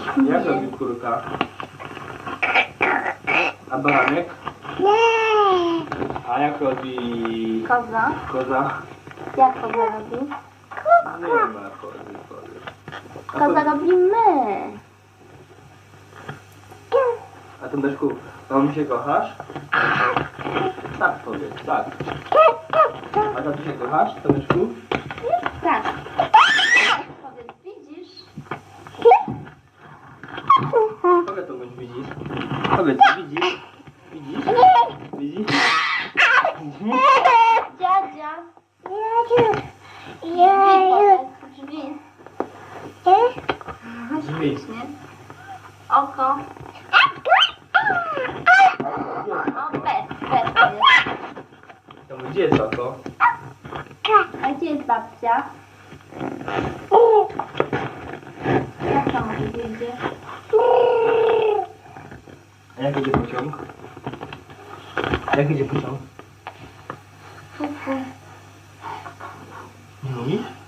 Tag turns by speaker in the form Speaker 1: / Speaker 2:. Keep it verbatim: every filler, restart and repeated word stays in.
Speaker 1: Jak robi kurka? A baranek? A jak robi
Speaker 2: Koza.
Speaker 1: koza?
Speaker 2: Jak koza robi?
Speaker 1: Nie ma kozy, kozy. A,
Speaker 2: Koza
Speaker 1: to,
Speaker 2: robi my.
Speaker 1: a ty Deszku, mam się kochasz? Tak powiedz, tak. A ty się kochasz, Deszku?
Speaker 2: Tak. Powiedz, widzisz?
Speaker 1: Powiedz to bądź widzisz. Powiedz, widzisz? Widzisz? Widzisz? Widzisz?
Speaker 2: Dziadzia. Drzwi powiedz, drzwi.
Speaker 1: Drzwi.
Speaker 2: Śmiesznie. Oko. O, bez, bez to jest.
Speaker 1: To gdzie jest oko?
Speaker 2: A gdzie jest babcia? Jak to może wyjdzie?
Speaker 1: A jak idzie pociąg? Jak idzie pociąg?
Speaker 2: Fu, fu.
Speaker 1: Nie mówisz?